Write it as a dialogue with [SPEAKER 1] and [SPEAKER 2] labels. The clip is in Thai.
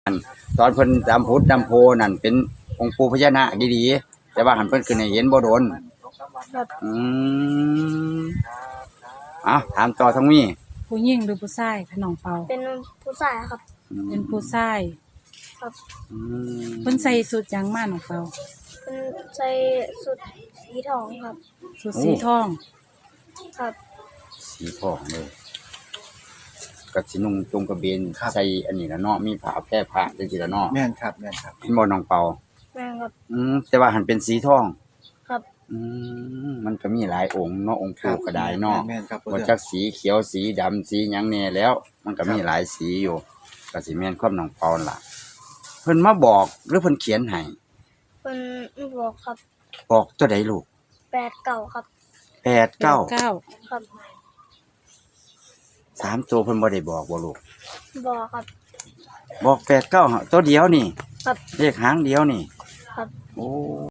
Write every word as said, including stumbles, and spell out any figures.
[SPEAKER 1] ตอนเพิ่นจำพุทธจำโพนั่นเป็นองค์ปู่พญานาคดีๆแต่ว่าหันเพิ่นขึ้นให้เห็นบ่โดน
[SPEAKER 2] ครับ
[SPEAKER 1] อืมเอ้าถามต่อทั้งมี
[SPEAKER 3] ผู้หญิงหรือผู้ชายคะน้องเปา
[SPEAKER 2] เป็นผู้ชายครับ
[SPEAKER 3] เป็นผู้ชาย
[SPEAKER 2] ครับ
[SPEAKER 1] อืม
[SPEAKER 3] เพิ่นใส่สุดหยังมาน้องเปา
[SPEAKER 2] เป็นใส่สุดสีทองครับ
[SPEAKER 3] สุดสีทอง
[SPEAKER 2] ครับ
[SPEAKER 1] สีทองเลยก็สินุ่งจงกระเบนใส่อันนี้ละเนาะมีผ้าแพร่ผ้าจังซี่ละเนาะ
[SPEAKER 4] แม่นครับแม่นครับ
[SPEAKER 1] เห็นบ่น้องเปา
[SPEAKER 2] แม่ครับ
[SPEAKER 1] อืมแต่ว่าหันเป็นสีทอง
[SPEAKER 2] ครับ
[SPEAKER 1] อืมมันก็มีหลายองค์เนาะองค์ปู่ก็ได้เนาะ
[SPEAKER 4] แม่นครับ
[SPEAKER 1] บ่จักสีเขียวสีดำสีหยังแน่แล้ว มันก็มีหลายสีอยู่ก็สิแม่นความน้องเปาล่ะ เพิ่นมาบอกหรือเพิ่นเขียนให้
[SPEAKER 2] เป็นบอกครับ
[SPEAKER 1] บอกตัวใดลูก
[SPEAKER 2] แปดเก่าครับ
[SPEAKER 1] แปดเก้า
[SPEAKER 3] เก้า
[SPEAKER 2] ครับ
[SPEAKER 1] สามตัวเพิ่นบ่ได้บอกบ่ลูก
[SPEAKER 2] บอกครับ
[SPEAKER 1] บอกแปดเก้าตัวเดียวนี่
[SPEAKER 2] ครับ
[SPEAKER 1] เลขหางเดียวนี่
[SPEAKER 2] ครับ
[SPEAKER 1] โอ้